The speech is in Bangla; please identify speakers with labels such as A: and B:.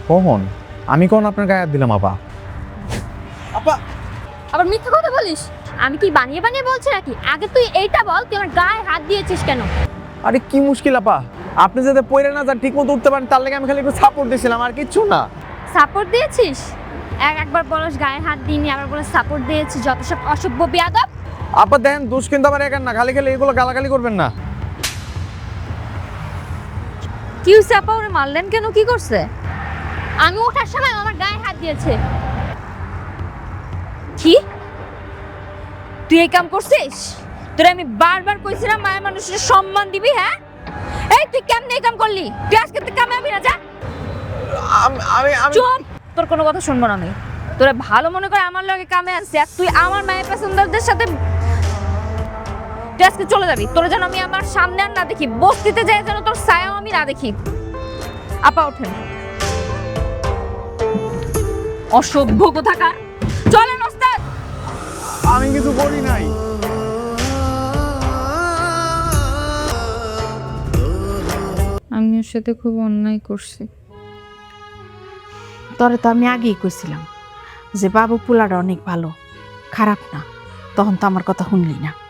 A: কখন? আমি কখন আপনার গায়ে হাত দিলাম আপা? আপা
B: আবার মিথ্যা কথা বলিস? আমি কি বানিয়ে বানিয়ে বলছি নাকি? আগে তুই এইটা বল, তুই আমার গায়ে হাত দিয়েছিস কেন?
A: আরে কি মুশকিল আপা, আপনি যাতে পড়ে না যান, ঠিক মতো উঠতে পারেন, তার লাগে আমি খালি একটু সাপোর্ট দিয়েছিলাম, আর কিচ্ছু না।
B: সাপোর্ট দিয়েছিস? একবার বলস গায়ে হাত দিইনি, আবার বলস সাপোর্ট দিয়েছিস। যত সব অসভ্য বিয়াদব।
A: আপা দেখেন, দোষ কিন্তু আমার একার না, খালি খালি এগুলো গালাগালি করবেন না।
B: কি হইছে আপা? ওরে মারলেন কেন? কি করছে? আমি ওঠার সময় আমার গায়ে হাত দিয়েছে। কি তুই এই কাম করছিস? তোরে আমি বারবার কইছিলাম মায়ের মানুষের সম্মান দিবি। হ্যাঁ, এই তুই কেমনে এই কাম করলি? তুই আজকে তুই কামে আবি না, যা।
A: আমি
B: চুপ! তোর কোনো কথা শুনবো না আমি। তোরা ভালো মনে করে আমার লগে কামে আসছে, আর তুই আমার মায়ের প্যাসেঞ্জারদের সাথে তুই আজকে চলে যাবি। তোরা যেন আমি আমার সামনে আর না দেখি, বস্তিতে যাই যেন তোর ছায়াও আমি না দেখি। আপা ওঠেন। অসভ্য কোথাকার! চলেন ওস্তাদ।
A: আমি কিছু করি নাই।
B: আমি ওর সাথে খুব অন্যায় করছি।
C: তরে তো আমি আগেই কইছিলাম যে বাবু পোলাটা অনেক ভালো, খারাপ না। তখন তো আমার কথা শুনলি না।